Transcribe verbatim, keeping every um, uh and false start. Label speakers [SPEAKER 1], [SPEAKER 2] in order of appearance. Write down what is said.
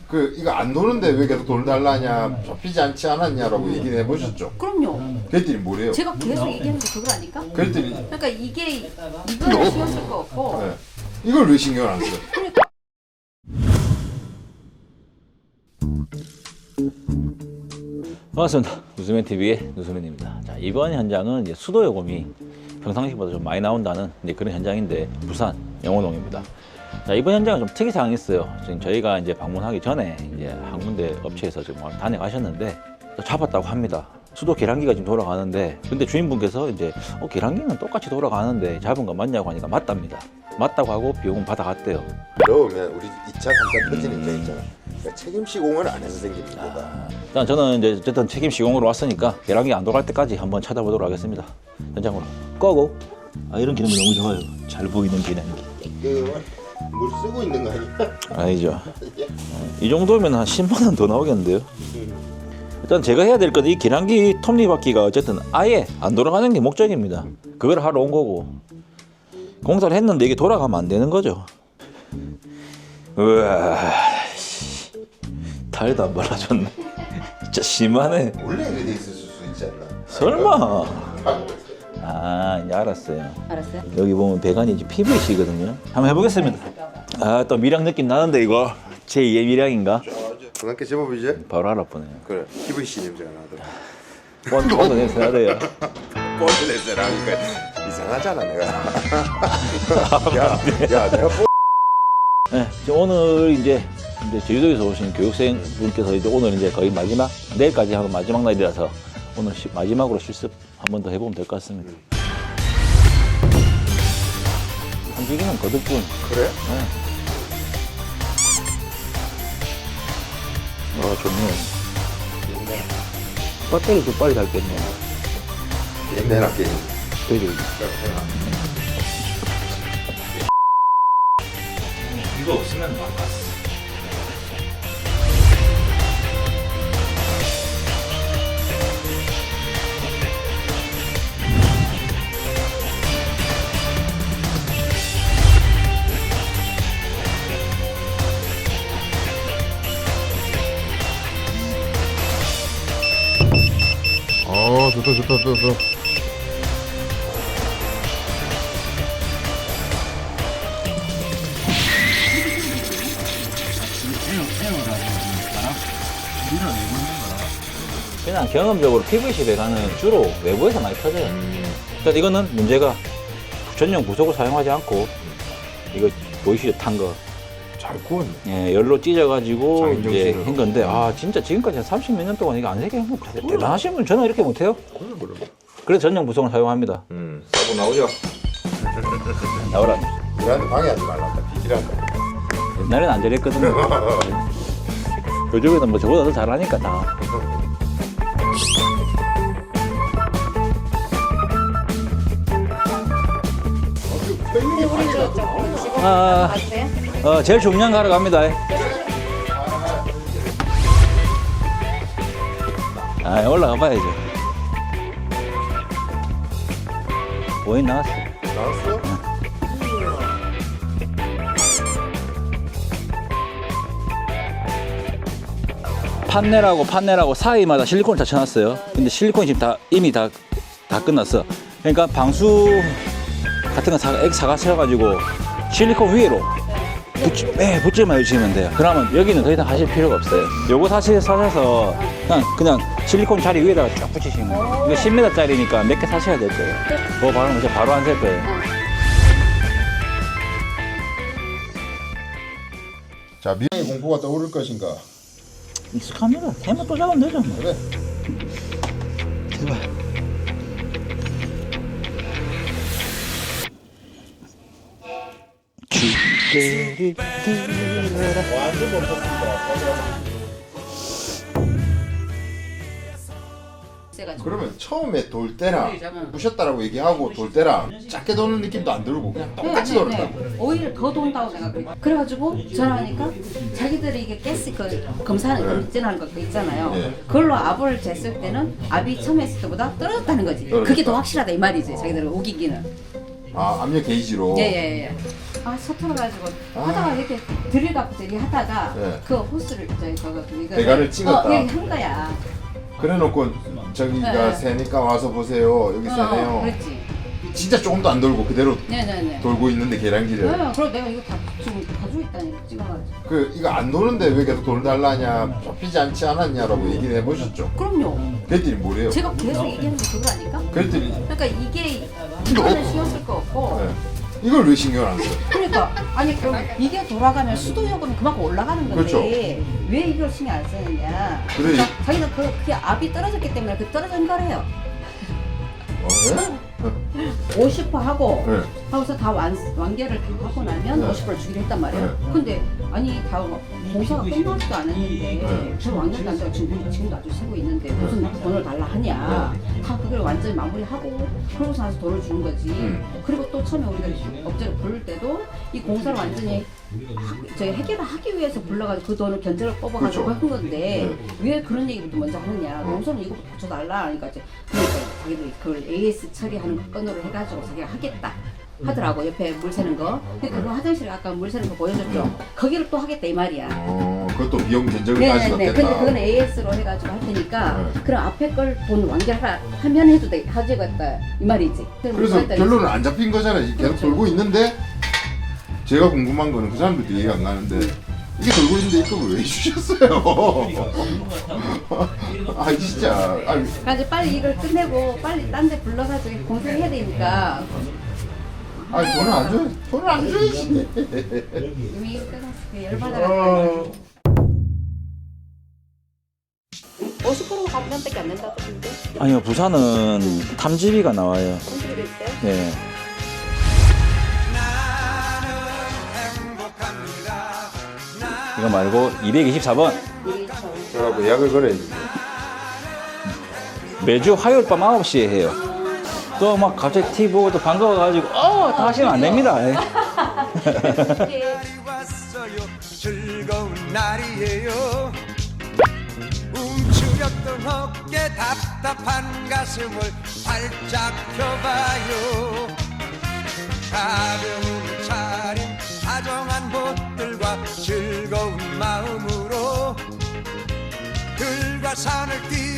[SPEAKER 1] 그 이거 안 도는데 왜 계속 돈 달라냐, 접히지 않지 않았냐라고 얘기를 해보셨죠?
[SPEAKER 2] 그럼요.
[SPEAKER 1] 그랬더니 뭐래요?
[SPEAKER 2] 제가 계속 얘기하는 게 그거 아닐까?
[SPEAKER 1] 그랬더니
[SPEAKER 2] 그러니까 이게 이거를 신경 쓸 거 없고
[SPEAKER 1] 네. 이걸 왜 신경을 안 써?
[SPEAKER 2] 그러니까
[SPEAKER 3] 반갑습니다. 누수맨티비의 누수맨입니다. 자, 이번 현장은 이제 수도 요금이 평상시보다 좀 많이 나온다는 이제 그런 현장인데 부산 영호동입니다. 자, 이번 현장은 좀 특이 사항이 있어요. 지금 저희가 이제 방문하기 전에 이제 한 군데 업체에서 지금 다녀가셨는데 잡았다고 합니다. 수도 계량기가 지금 돌아가는데 근데 주인분께서 이제 어, 계량기는 똑같이 돌아가는데 잡은 거 맞냐고 하니까 맞답니다. 맞다고 하고 비용은 받아갔대요.
[SPEAKER 1] 넣으면 우리 이 차, 삼 차 터지는 데 있잖아. 그러니까 책임 시공을 안 해서 생기는 거다.
[SPEAKER 3] 일단 저는 이제 어쨌든 책임 시공으로 왔으니까 계량기 안 돌아갈 때까지 한번 찾아보도록 하겠습니다. 현장으로 꺼고. 아, 이런 기능이 너무 좋아요. 잘 보이는 계량기.
[SPEAKER 1] 그물 쓰고 있는 거 아니야?
[SPEAKER 3] 아니죠. 이 정도면 한 십만 원 더 나오겠는데요. 일단 제가 해야 될 건 이 계량기 톱니바퀴가 어쨌든 아예 안 돌아가는 게 목적입니다. 그걸 하러 온 거고 공사를 했는데 이게 돌아가면 안 되는 거죠. 우와, 타일도 안 발라줬네. 진짜 심하네.
[SPEAKER 1] 원래 그래 있을 수 있지 않나?
[SPEAKER 3] 설마. 아, 이제 알았어요.
[SPEAKER 2] 알았어요?
[SPEAKER 3] 여기 보면 배관이 이제 피브이씨거든요. 한번 해보겠습니다. 아, 또 미량 느낌 나는데 이거 제이의 미량인가?
[SPEAKER 1] 그만큼 제법이지?
[SPEAKER 3] 바로 알아보네요.
[SPEAKER 1] 그래. 피브이씨 냄새가 나더라.
[SPEAKER 3] 뻔, 뻔도 냄새 나대요.
[SPEAKER 1] 뻔 냄새 나니까 이상하잖아 내가. 야, 야 내가 뻔.
[SPEAKER 3] 네, 이제 오늘 이제, 이제 제주도에서 오신 교육생 분께서 이제 오늘 이제 거의 마지막, 내일까지 하고 마지막 날이라서 오늘 시, 마지막으로 실습 한 번 더 해보면 될 것 같습니다. 한 줄기는 거듭뿐.
[SPEAKER 1] 그래?
[SPEAKER 3] 네. 아, 좋네요. 배터리도 빨리 닳겠네요.
[SPEAKER 1] 옛날 게임.
[SPEAKER 3] 되게. 이거 없으면 바꿨어.
[SPEAKER 1] 어 좋다 좋다 좋다 좋다.
[SPEAKER 3] 그냥 경험적으로 피브이씨 배관은 주로 외부에서 많이 터져요. 그러니까 이거는 문제가 전용 부속을 사용하지 않고 이거 보이시죠? 탄 거.
[SPEAKER 1] 잘 구웠네.
[SPEAKER 3] 예, 열로 찢어가지고
[SPEAKER 1] 장인정
[SPEAKER 3] 이제
[SPEAKER 1] 찌르러.
[SPEAKER 3] 한 건데 아 진짜 지금까지 한 삼십 몇 년 동안 이거 안 새게 한거 대단하신 분 저는 이렇게 못해요.
[SPEAKER 1] 그래 그래.
[SPEAKER 3] 그래서 전용 부속을 사용합니다.
[SPEAKER 1] 음. 사고 나오죠.
[SPEAKER 3] 나오라.
[SPEAKER 1] 우리한테 방해하지 말란다. 뒤지란다.
[SPEAKER 3] 옛날에는 안 저랬거든요. 요즘에는 뭐 저보다 더 잘하니까 다.
[SPEAKER 2] 근데 우리 저 지금
[SPEAKER 3] 아,
[SPEAKER 2] 봤어요?
[SPEAKER 3] 어, 제일 중요한 거 하러 갑니다. 아, 올라가 봐야죠. 오인 나왔어.
[SPEAKER 1] 나왔어?
[SPEAKER 3] 판넬하고 판넬하고 사이마다 실리콘을 다 쳐놨어요. 근데 실리콘이 지금 다 이미 다, 다 끝났어. 그러니까 방수 같은 거 사, 액 사가셔가지고 실리콘 위로 붙지, 네, 붙지만 해주시면 돼요. 그러면 여기는 더 이상 하실 필요가 없어요. 요거 사실 사셔서 그냥, 그냥 실리콘 자리 위에다가 쫙 붙이시면 돼요. 이거 십 미터짜리니까 몇 개 사셔야 될 거예요. 그거 바르면 이제 바로 안 셀 거예요.
[SPEAKER 1] 자 미래의 공포가 떠오를 것인가?
[SPEAKER 3] 익숙합니다. 대만 또 잡으면 되죠. 뭐.
[SPEAKER 1] 그래.
[SPEAKER 3] 제발. 주대를 들어라.
[SPEAKER 1] 완전 멈췄습니다. 그러면 처음에 돌 때랑 부셨다라고 얘기하고 돌 때랑 작게 도는 느낌도 안 들고 그냥 똑같이
[SPEAKER 2] 네,
[SPEAKER 1] 돌았다고.
[SPEAKER 2] 네. 오히려 더 돈다고 생각해요. 그래가지고 전화하니까 자기들이 이게 가스 그 검사하는 거 검진하는 거 그거 있잖아요.
[SPEAKER 1] 네.
[SPEAKER 2] 그걸로 압을 쟀을 때는 압이 처음에 했을 때보다 떨어졌다는 거지.
[SPEAKER 1] 떨어졌다.
[SPEAKER 2] 그게 더 확실하다 이 말이지. 자기들은 우기기는.
[SPEAKER 1] 아 압력 게이지로.
[SPEAKER 2] 예예예. 아 서툴러가지고 하다가 이렇게 드릴 갖고 저기 하다가
[SPEAKER 1] 네.
[SPEAKER 2] 그 호스를 저기 저거 이거
[SPEAKER 1] 대가를 찍었다.
[SPEAKER 2] 어, 여기 한 거야.
[SPEAKER 1] 그래놓고 저기가
[SPEAKER 2] 네.
[SPEAKER 1] 새니까 와서 보세요. 여기
[SPEAKER 2] 어,
[SPEAKER 1] 새네요.
[SPEAKER 2] 그렇지.
[SPEAKER 1] 진짜 조금도 안 돌고 그대로
[SPEAKER 2] 네네네.
[SPEAKER 1] 돌고 있는데 계량기를.
[SPEAKER 2] 네, 그럼 내가 이거 다 지금 가지고 있다니 찍어가지고.
[SPEAKER 1] 그 이거 안 도는데 왜 계속 돈 달라냐, 좁히지 않지 않았냐라고 얘기를 해보셨죠.
[SPEAKER 2] 그럼요.
[SPEAKER 1] 그랬더니 뭐래요?
[SPEAKER 2] 제가 계속 얘기하는 게 그거 아닐까?
[SPEAKER 1] 그랬더니
[SPEAKER 2] 그러니까 이게 이거는 신경 쓸 거 없고.
[SPEAKER 1] 네. 이걸 왜 신경 안 써요?
[SPEAKER 2] 그러니까 아니 그럼 이게 돌아가면 수도요금은 그만큼 올라가는 건데
[SPEAKER 1] 그렇죠.
[SPEAKER 2] 왜 이걸 신경 안 쓰느냐?
[SPEAKER 1] 그래.
[SPEAKER 2] 자, 자기는 그 그게 압이 떨어졌기 때문에 그 떨어진 거래요.
[SPEAKER 1] 어, 네?
[SPEAKER 2] 오십 퍼센트 하고
[SPEAKER 1] 네.
[SPEAKER 2] 하고서 다 완, 완결을 다 하고 나면
[SPEAKER 1] 네.
[SPEAKER 2] 오십 퍼센트 주기로 했단 말이에요.
[SPEAKER 1] 네.
[SPEAKER 2] 근데 아니 다 공사가 끝나지도 않았는데
[SPEAKER 1] 네.
[SPEAKER 2] 저 완결도 안 되고 지금 지금도 아주 쓰고 있는데 무슨 돈을 달라 하냐? 다 그걸 완전히 마무리하고 그러고서 나서 돈을 주는 거지.
[SPEAKER 1] 음.
[SPEAKER 2] 그리고 또 처음에 우리가 업체를 부를 때도 이 공사를 완전히 하- 저희 해결을 하기 위해서 불러가지고 그 돈을 견적을 뽑아가지고
[SPEAKER 1] 그렇죠.
[SPEAKER 2] 한 건데 왜 그런 얘기부터 먼저 하느냐? 농사는 이거 붙여달라. 그러니까 이제 그러니까 자기들이 그걸 에이에스 처리하는 건으로 해가지고 자기가 하겠다. 하더라고 옆에 물 새는 거. 근데 그거 화장실에 아까 물 새는 거 보여줬죠. 거기를 또 하겠다 이 말이야.
[SPEAKER 1] 어, 그것도 비용 견적을 다시
[SPEAKER 2] 네네네.
[SPEAKER 1] 넣겠다.
[SPEAKER 2] 근데 그건 에이에스로 해가지고 할 테니까
[SPEAKER 1] 네.
[SPEAKER 2] 그럼 앞에 걸 돈 완결하라 하면 해도 돼 하지겠다 이 말이지.
[SPEAKER 1] 그래서 결론은 안 잡힌 거잖아요. 계속
[SPEAKER 2] 그렇죠.
[SPEAKER 1] 돌고 있는데 제가 궁금한 거는 그 사람들도 이해가 안 가는데 이게 돌고 있는데 이걸 왜 주셨어요? 아 진짜. 아,
[SPEAKER 2] 그래서 빨리 이걸 끝내고 빨리 딴 데 불러가지고 공사해야 되니까
[SPEAKER 1] 아 돈을 안 줘. 돈을 안 줘야지.
[SPEAKER 2] 이미 이거 끝났어. 열받아가지고. 오십 퍼센트 감면밖에 안 된다던데.
[SPEAKER 3] 아니요, 부산은 탐지비가 나와요.
[SPEAKER 2] 손질이 있어요?
[SPEAKER 3] 네. 이거 말고 이백이십사 번
[SPEAKER 1] 저라고 예약을 걸어야지.
[SPEAKER 3] 매주 화요일 밤 아홉 시에 해요. 또 막 갑자기 티비 보고 또 반가워가지고 어, 다 하시면 안 됩니다. 예.
[SPEAKER 4] 왔어요. 즐거운 날이에요. 움츠렸던 어깨 답답한 가슴을 활짝 펴봐요. 가벼운 차림 다정한 옷들과 즐거운 마음으로 들과 산을 뛰